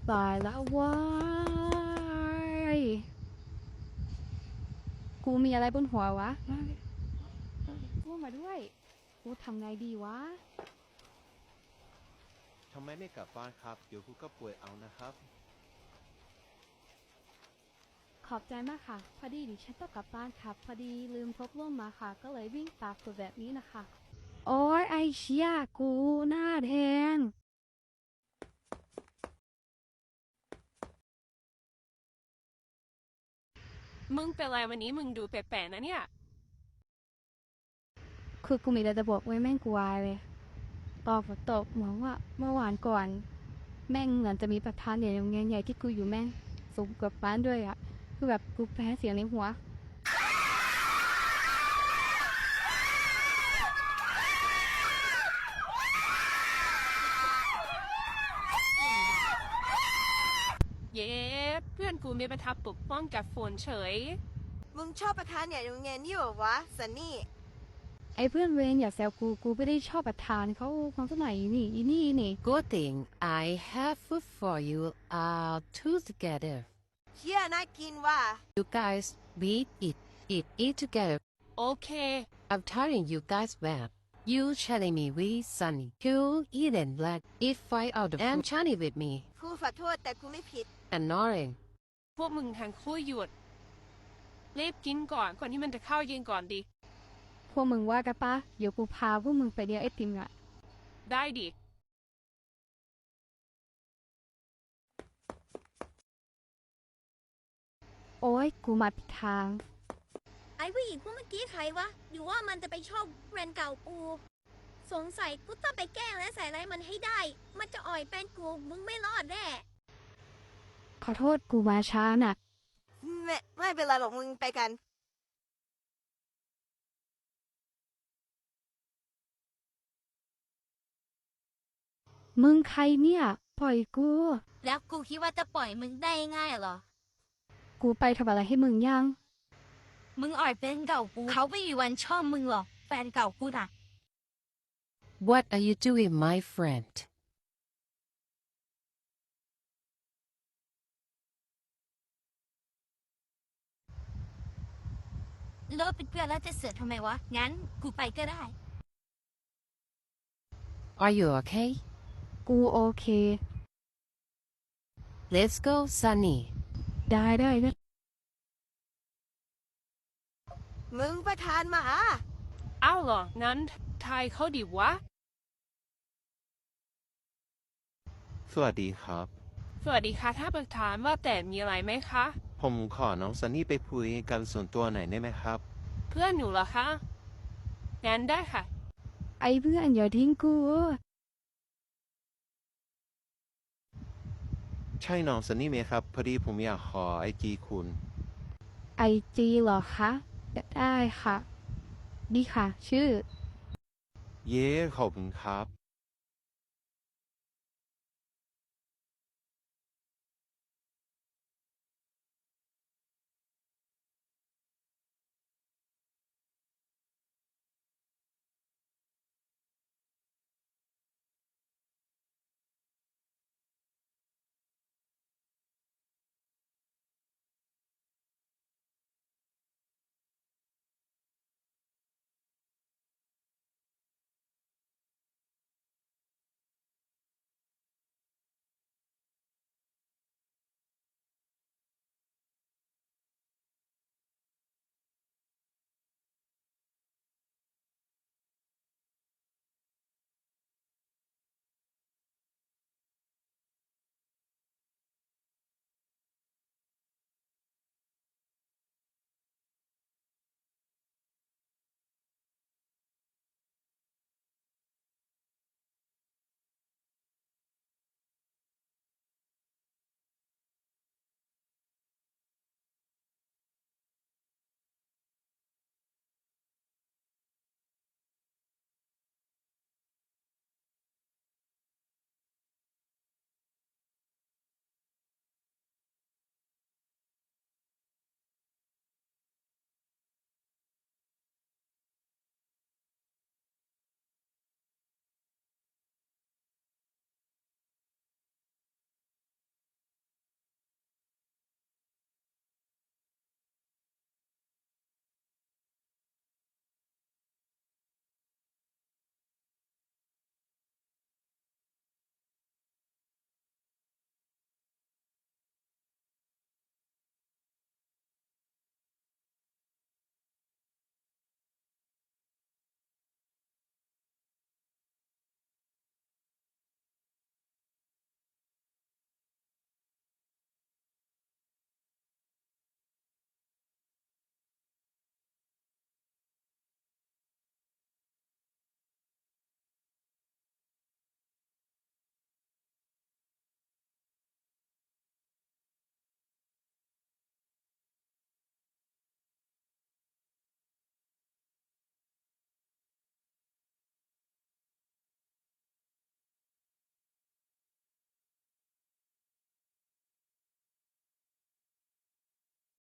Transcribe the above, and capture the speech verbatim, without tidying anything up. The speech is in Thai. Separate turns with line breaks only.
ตายแล้วว้ายกูมีอะไรบนหัววะกูมาด้วยกูทำไงดีวะ
ทำไมไม่กลับบ้านครับเดี๋ยวคุณก็ป่วยเอานะครับ
ขอบใจมากค่ะพอดีดิฉันต้องกลับบ้านครับพอดีลืมพกร่มมาค่ะก็เลยวิ่งตากฝนแบบนี้นะคะโอ้ยไอเชี่ยกูหน้าแดง
มึงเป็นไรวันนี้มึงดูแปลกๆนะเนี่ย
คือกูมีอะไรจะบอกไว้แม่งกูวายเลยตอนฝนตกเหมือนว่าเมื่อวานก่อนแม่งเหมือนจะมีประธานใหญ่โรงเรียนใหญ่ที่กูอยู่แม่งสูงกว่าบ้านด้วยอะคือแบบกูแพ้เสียงในหัว
เย้เพื่อนกูมีประทับปกป้องกับฝนเฉย
มึงชอบประธานใหญ่โรงเรียนนี่เหรอวะสันนี่
ไอ้เพื่อนเวรอย่าแซวกูกูไม่ได้ชอบประธานเขาความสมัยนี่อีนี่นี่
Good thing I have food for you all two together.
เชี่ยน่ากินว่ะ
You guys, we eat, eat, eat together.
โอเค
I'm telling you guys well. You telling me we sunny. You eat and black. Eat five out of and Johnny with me.
กูขอโทษแต่กูไม่ผิด
Annoying.
พวกมึงทั้งคู่หยุดรีบกินก่อนก่อนที่มันจะเข้าเย็นก่อนดิ
พวกมึงว่ากันปะเดี๋ยวกูพาพวกมึงไปเลี้ยงไอติมอ่ะ
ได้ดิ
โอ้ยกูมาผิดทาง
ไอ้ผู้หญิงพวกเมื่อกี้ใครวะหรือว่ามันจะไปชอบแฟนเก่ากู สงสัยกูต้องไปแกล้งและใส่ร้ายมันให้ได้ มันจะอ่อยแฟนกูมึงไม่รอดแน่
ขอโทษกูมาช้าน่ะ
ไม่ไม่เป็นไรหรอกมึงไปกัน
มึงใครเนี่ยปล่อยกู
แล้วกูคิดว่าจะปล่อยมึงได้ง่ายเหรอ
กูไปทำอะไรให้มึงยัง
มึงอ่อยแฟนเก่ากู เขาไม่มีวันชอบมึงหรอกแฟนเก่ากูน่ะ
What are you doing, my friend?
เลิกเป็นเพื่อนแล้วจะเสือกทำไมวะ งั้นกูไปก็ได้
Are you okay?
กูโอเค
Let's go, Sunny.
ได้ได้ได้
มึงประธานมาหา
อ้าวเหรอ งั้นทายเขาดิวะ
สวัสดีครับ
สวัสดีค่ะถ้าประธานว่าแต่มีอะไรไหมคะ
ผมขอน้องซันนี่ไปคุยกันส่วนตัวหน่อยได้ไหมครับ
เพื่อนหนูเหรอคะ งั้นได้ค่ะ
ไอ้เพื่อนอย่าทิ้งกู
ใช่น้องซันนี่ไหมครับพอดีผมอยากขอไอจีคุณ
ไอจีเหรอคะได้ค่ะ ดีค่ะ ชื่อ
เย้ขอบคุณครับ